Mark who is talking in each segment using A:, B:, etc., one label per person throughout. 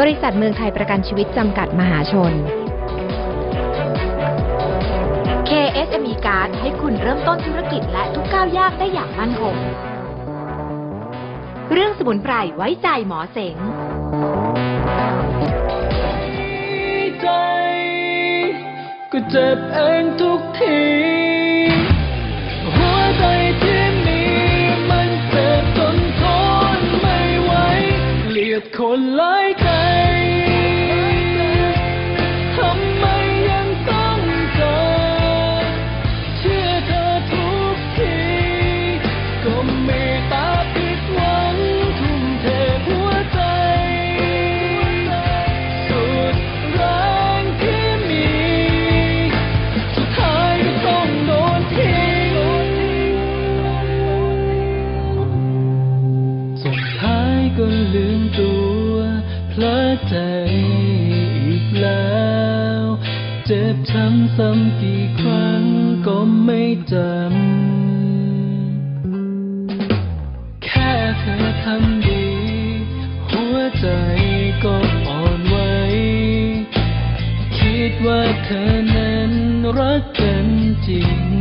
A: ริษัทเมืองไทยประกันชีวิตจำกัดมหาชน KSME Card ให้คุณเริ่มต้นธุรกิจและทุกก้าวยากได้อย่างมั่นคง เรื่องสมุนไพรไว้ใจหมอเสง
B: ใจก็เจ็บเองทุกทีหัวใจที่มีมันเจ็บจนทนไม่ไหวเกลียดคนหลายใจทำไมยังต้องเจอเชื่อเธอทุกทีก็มีตาผิดหวังทุ่มเทหัวใจสุดแรงที่มีสุดท้ายก็ต้องโดนทิ้งสุดท้ายก็ลืมตัวเพลอใจอีกแล้วเจ็บช้ำซ้ำกี่ครั้งก็ไม่จำแค่เธอทำดีหัวใจก็อ่อนไหวคิดว่าเธอนั้นรักกันจริง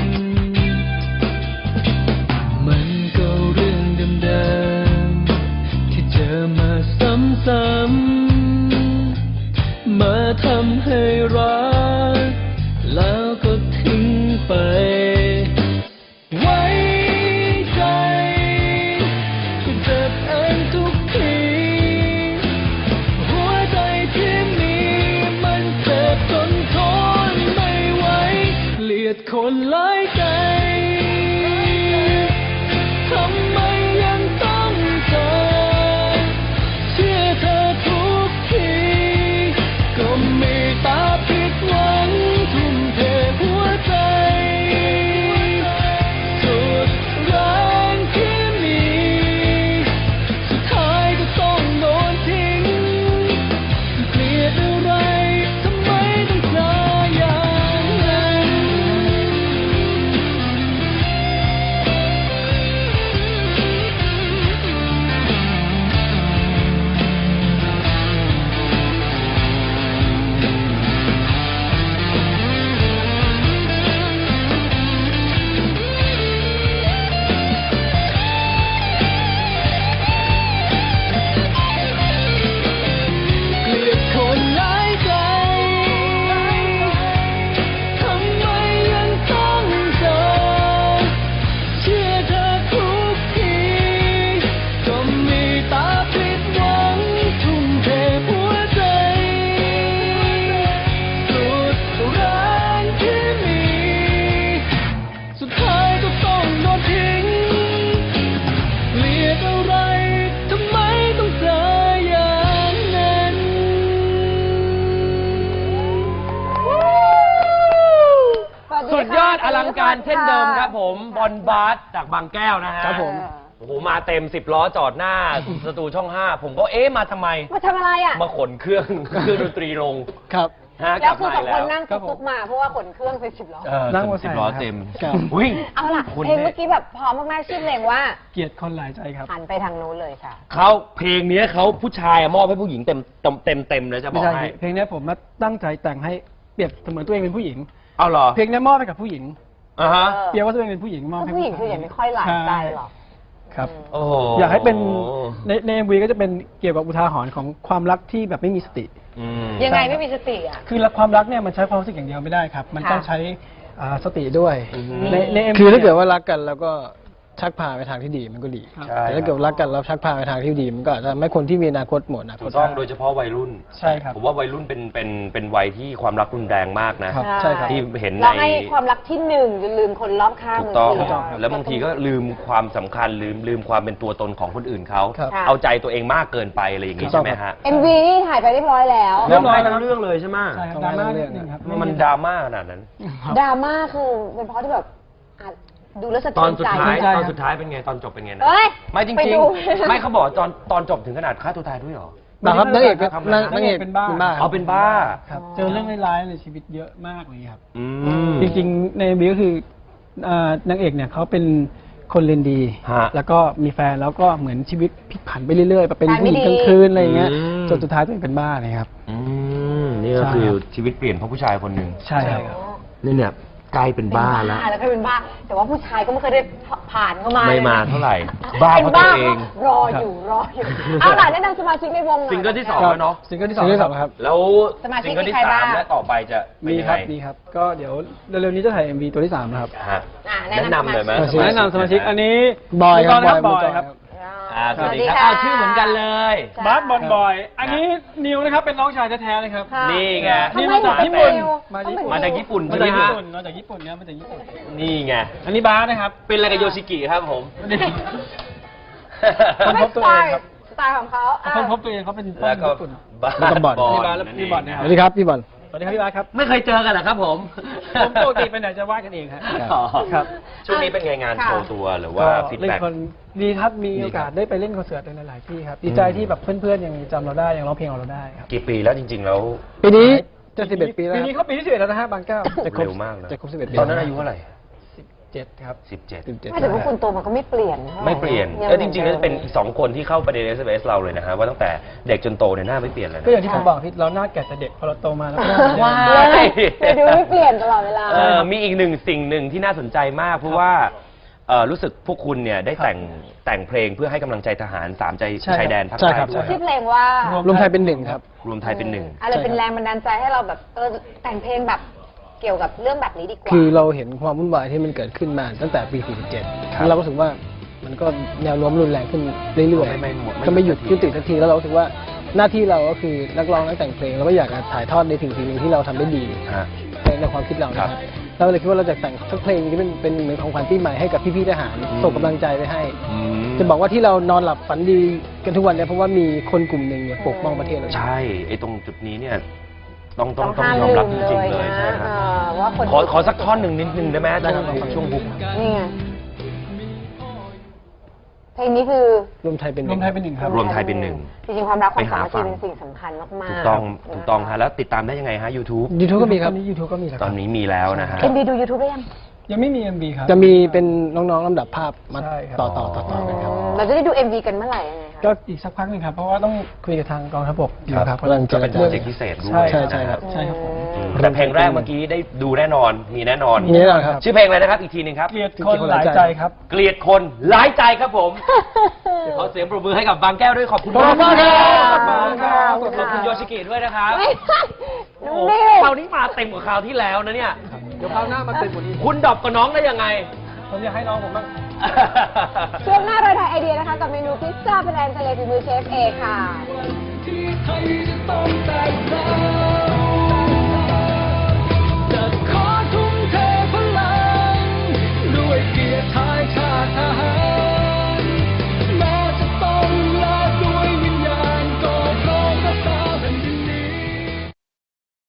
B: มันก็เรื่องเดิมๆที่เจอมาซ้ำๆมาทำให้รักแล้วก็ทิ้งไปไว้ใจก็เจ็บเองทุกทีหัวใจที่มีมันเจ็บจนทนไม่ไหวเกลียดคนหลายใจทำไมยังต้องเจอเชื่อเธอทุกทีก็มีตาผิดหวังทุ่มเทหัวใจสุดแรงที่มีสุดท้ายก็ต้องโดนทิ้งเกลียดอะไรทำไมต้องเจออย่างนั้น เกลียดคนหลายใจทำไมยังต้องเจอเชื่อเธอทุกทีก็มีตาผิดหวังทุ่มเทหัวใจสุดแรงที่มีสุดท้ายก็ต้องโดนทิ้งเกลียดอะไรทำไมต้องเจออย่างนั้น
C: สุดยอดอลังการเช่นเดิมครับผมบอลบาสจากบางแก้วนะฮะ
D: ครับผม
C: โอ้โหมาเต็ม10 ล้อจอดหน้าสตูช่อง 5 ผมก็มาทำไม
E: มาทำอะไรอ่ะ
C: มาขนเครื่องดนตรีลง
D: ครับ
C: ฮะ
E: แล้วคือสองคน
C: กลับมา
E: นั่ง
D: ครับผม
E: ตุ๊กๆมาเพราะว่าขนเครื่องเป็น10 ล้อ
D: นั่งมอเตอร์ไซค์
C: 10 ล้อ
D: ครับ
C: เต็ม
D: ครับ
C: วิ่ง
E: เอาล่ะ
C: คุณ
E: เพลงเมื่อกี้แบบพร้อมมากๆชื่อเพลงว่า
D: เกลียดคนหลายใจครับ
E: หันไปทางนู้นเลยค่ะ
C: เขาเพลงนี้เขาผู้ชายมอบให้ผู้หญิงเต็มเลยจะบ
D: ไม่
C: อก
D: ใช่
C: ให้
D: เพลงนี้ผมมาตั้งใจแต่งให้เปรียบเสมือนตัวเองเป็นผู้หญิง
C: เอาเหรอ
D: เพลงนี้มอบให้กับผู้หญิง
C: อ่าฮะ
E: เออ
D: เปรียบว่าตัวเองเป็นผู้หญิงมอบให้
E: ผู้หญิงคืออย่างไม่ค่อยหลายใจหรอก
D: ครับ
C: โอ้โห
D: อยากให้เป็นใน MV ก็จะเป็นเกี่ยวกับอุทาหรณ์ของความรักที่แบบไม่มีสติ
C: อืม
E: ยังไงไม่มีสติอ่ะ
D: คือความรักเนี่ยมันใช้ความรู้สึกอย่างเดียวไม่ได้ครับ มันต้องใช้สติด้วย
C: อืม
D: ใน MV
F: คือถ้าเกิดว่ารักกันแล้วก็ชักพาไปทางที่ดีมันก็ดี
D: ครับ
C: ใช่
F: แต่ถ้าเกิดรักกันแล้วชักพาไปทางที่ดีมันก็อาจจะทำให้คนที่มีอนาคตหมดอนาค
C: ถู
F: ต
C: กต้องโดยเฉพาะวัยรุ่น
D: ใช่ครับ
C: ผมว่าวัยรุ่นเป็นวัยที่ความรักรุนแรงมากนะ
D: ครับใช่ครับ
C: ที่เห็นใน
E: เราให้ความรักที่หนึ่งจนลืมคนรอบข้าง
C: ถูกต้อง
E: มืเดียว
C: แล้วบางทีก็ลืมความสำคัญลืมความเป็นตัวตนของคนอื่นเขา
F: ครับ
E: ค่ะ
C: เอาใจตัวเองมากเกินไปอะไรอย่างนี้
F: ถูกต้
C: ใช่
F: อง
C: ไหมฮะ
E: MV นี่ถ่ายไปเรียบร้อยแล้ว
D: เรียบร้อย
C: ทั้งเรื่องเลยใช่ไหม
D: ใช่ครับดราม่านิดนึงครับ
C: มันดราม่าขนาดนั้น
E: ดราม่าคือเป็นเพราะที่แบบอ่ะดูแล้วสะ
C: ต
E: เทื
C: อ
E: อน น
C: สุด
E: ใจ
C: ท้าย
D: ใช่ครับ
C: ตอนสุดท้ายเป็นไงตอนจบเป็นไงนะ
E: เอ้ย
C: ไม่จ
E: ไป
C: ริง
E: ดู
C: ๆ ไม่เขาบอกตอนจบถึงขนาดฆ่าตัวตายด้วยเหรอ
F: นะครับนางเอกก็
C: ทำอะไรนะ
F: นางเอก
D: เป็นบ้า
C: เอาเป็นบ้า
D: ครับเจอเรื่องร้ายๆในชีวิตเยอะมากเลยครับ
C: อืม
D: จริงๆใน MV ก็คือ นางเอกเนี่ยเขาเป็นคนเรียนดี
C: ฮะ
D: แล้วก็มีแฟนแล้วก็เหมือนชีวิตพลิกผันไปเรื่อยๆไปเป็น
E: แฟนไม่
D: ผู้หญิง
E: ดี
D: กลางคืนอะไรอย่างเงี้ย
C: อืม
D: จนสุดท้ายตัวเองเป็นบ้าเลยครับ
C: นี่ก็
D: ใช่
C: คือ
D: ครับ
C: ชีวิตเปลี่ยนเพราะผู้ชายคนหนึ่ง
D: ใช่ครับ
C: เนี่ยใกล้เป็นบ้าแล้ว
E: แล้วก็เป็นบ้า แต่ว่าผู้ชายก็ไม่เคยได้ผ่านเข้ามา
C: ไม่มา
E: ลยนะ
C: เท่าไหร่ บ้า
E: เป็น
C: เพราะตัว
E: บ้า
C: เอง
E: รออยู่เอาล่ะแนะนำสมาชิกในวงหน่อย
C: ซิงเกิลที่ 2 แล้วเนาะ
D: ซิงเกิลที่
F: ซิงเกิลที่
D: ส
F: ส
D: อ
F: อง ง
D: ค
F: ค
D: รั
F: รับ บ
C: แล้ว
E: สมาชิก
C: ซิงเกิลที่
E: มีใครบ้าง
C: 3และต่อไปจะเป็น
D: มี
C: ยัง
D: ค
C: ไง
D: รับมีครับ ก็เดี๋ยวเร็วๆนี้จะถ่าย MV ตัวที่ 3 นะครับ
C: ฮะ
E: แนะ
C: แนะนำหน่อยไหม
F: สมาชิก
D: แนะนำสมาชิกอันนี้
F: บอยครับ
D: ครับ
F: บบ อ
D: อย ย
F: ค
D: ค
F: รั
D: รับ บ
C: สวัสดีครับอ้าวชื่อเหมือนกันเลย
D: บาสบอลบอย อันนี้นิวนะครับเป็นน้องชายแท้ๆเลยครับ
E: ค่ะ
C: นี่ไง
E: ทำ
D: นี่
E: ไม
D: มา
E: ถึ
D: จาก
E: งเป็น
D: ญี่ปุ่น
E: นิว
D: มาจาก
E: ต้องเป็น
C: มาจากญี่ปุ่น
D: มา
C: ใช่ไหม
D: จากญี่
C: ฮะ
D: ปุ่นมาจากญี่ปุ่นเนี่ยมาจากญี่ปุ่น
C: นี่ไง
D: อันนี้บาสนะครับ
C: เป็นอะไรกับโยชิกิครับผม
D: คน
E: ไม่
D: พบ
E: ส
D: ตัว
E: ไต
D: เอง
E: ล์
D: ครับ
E: สไตล์ของเขา
D: คนพบตัวเองเขาเป็นต้
C: แล้
D: น
C: วก็
D: ญี่ปุ่น
F: แล้วก็บอล
D: พี่บาสและพี่บอลนะค
F: ส
D: รับ
F: วัสดีครับพี่บอล
D: สวัสดีครับพี่บาสครับ
C: ไม่เคยเจอกันเหรอครับผม
D: ผมปกติไปไหนจะวาดกันเองครับ
C: อ๋อ
D: ครับ
C: ช่วงนี้เป็นไงงานโชว์ตัวหรือว่าฟีด
D: เล่น
C: แบ็ก
D: คนดีครับมี
C: ดีครับ
D: โอกาสได้ไปเล่นคอนเสิร์ตในหลายๆที่ครับดีใจที่แบบเพื่อนๆยังจำเราได้ยังร้องเพลงเราได้ครับ
C: กี่ปีแล้วจริง ๆ แล้ว
F: ปีนี้จะ11 ปีแล้ว
D: ปี
F: ค
D: นี้
F: รับ
D: เขาปีที่11แล้วนะฮะบางเก้า
F: จะครบ
C: เร็วมากนะ
F: จะครบ11 ปี
C: ตอนนั้นอายุเท่าไหร่
D: 7ครับ
C: 17
E: ไม่แต่ว่าคุณโตมันก็ไม่เปลี่ยนท่าห
C: ไม่เปลี่ยน
E: ยัง
C: แล้วจริงๆแล้วเป็นอีก2 คนที่เข้าประเด็น SMS เราเลยนะฮะว่าตั้งแต่เด็กจนโตเนี่ยหน้าไม่เปลี่ยนเลย
D: ก็อย่าง
C: นะ
D: ที่ผมบอกที่เราหน้าแก่แต่เด็กพอเราโตมาแล้วก็หน้า
C: ว้า
D: แก่
E: เลยดูไม่เปลี่ยนตลอดเวลา
C: มีอีกสิ่งหนึ่งที่น่าสนใจมาก เพราะว่ารู้สึกพวกคุณเนี่ยได้แต่งเพลงเพื่อให้กำลังใจทหาร3ใจชายแดนภาค
F: ใช่
C: ใต้
F: ครับ
C: ด้วย
E: ชื่อเพลงว่า
F: รวมไทยเป็นหนึ่งครับ
C: รวมไทยเป็นหนึ่ง
E: อะไรเป็นแรงบันดาลใจให้เราแบบแต่งเพลงแบบเกี่ยวกับเรื่องแบบนี้ดีกว่า
F: คือเราเห็นความวุ่นวายที่มันเกิดขึ้นมาตั้งแต่ปี 47 แล้วเราก็รู้สึกว่ามันก็แนวโน้มรุนแรงขึ้นเรื่อย
C: ไม่
F: ๆก็ไม่หยุดยุติสักที แล้วเรารู้สึกว่าหน้าที่เราก็คือนักร้องนักแต่งเพลงเราก็อยากจะถ่ายทอดในสิ่งหนึ่งที่เราทำได้ดี
C: ฮะ
F: ในความคิดเรานะค
C: ครั
F: รับบ เราเลยคิดว่าเราจะแต่งสักเพลงที่เป็นเหมือนของขวัญปีใหม่ให้กับพี่ๆทหารส่งกำลังใจไปให้
C: อืม
F: จะบอกว่าที่เรานอนหลับฝันดีกันทุกวันเนี่ยเพราะว่ามีคนกลุ่มหนึ่งเนี่ยปกป้องประเทศเรา
C: ใช่ไอ้ตรงจุดนี้เนี่ยต้อง
E: ต้อง
C: ย
E: ห้าม
C: อม
E: ลื
C: รับ
E: ม
C: จ
E: เล
C: ริง
E: ย
C: ๆเลย
E: นะ
C: ใช่ครับ
E: ว่าคน
C: ขอสักท่อนหนึ่งนิดนึงได้ไหม
F: ได้ครับ
C: ช่วงฮุก
E: นี่ไงเพลงนี้คือ
F: รวมไทยเป็นห
D: ร
F: นึ่
D: ว
F: ง
D: มไทยเป็นหนึ่งครับ
C: รวมไทยเป็นหนึ่ง
E: จริงๆความรักความ
C: ไป
E: สา
C: หา
E: มัค
C: ฟั
E: คี
C: ง
E: เป็นสิ่งสำคัญมากๆ
C: ถูกต้อง
E: นะคะ
C: ถูกต้องฮะแล้วติดตามได้ยังไงฮะ YouTube
F: YouTube ก็มีครับ
D: ตอนนี้ YouTube ก็มีแล้ว
C: ตอนนี้มีแล้วนะฮะ
E: เอ็มบีดู YouTube ได้ยัง
D: ยังไม่มี MV ครับ
F: จะมีเป็นน้องๆลำดับภาพมา
D: ใช่ครับ
F: ต่อกันครับ
E: เราจะได้ดู MV กันเมื่อไหร่ยังไงคะ
D: ก็อีกสักพักหนึ่งครับ เพราะว่าต้องคุยกับทางกองทัพบกอยู่ครับ
F: กำลัง
C: ก็เป็นโปรเจกต์พิเศษด้วย
D: ใช่
F: ใช่ครับ
D: ใช่ครับผม
C: แต่เพลงแรกเมื่อกี้ได้ดูแน่นอน มีแน่นอน
F: มีแน่นอนครับ
C: ชื่อเพลงอะไรนะครับ อีกทีหนึ่งครับ
D: เกลียดคนหลายใจครับ
C: เกลียดคนหลายใจครับผม ขอเสียงปรบมือให้กับบางแก้วด้วยขอบคุณ
F: ขอบคุณครับ
C: ขอบคุณครับ
E: ขอบคุณ
C: ขอบคุณโยชิกิด้วยนะครับ
E: ไม่ใช่น้อง
C: โอ้
E: นิ
C: คราว วนี้มาเต็มกว่าคราวที่แล้วนะเนี่ย
F: เดี๋ยวคราวหน้ามาเต็มกว่านี้
C: คุณดรอปกับน้องได้ยังไง
D: ผมอยากให้น้องผมบ้าง
E: ช่วงหน้าเราถ่ายไอเดียนะคะ กับเมนูพิซซ่าเป็นแอนทะเลฝีมือเชฟเอค่ะ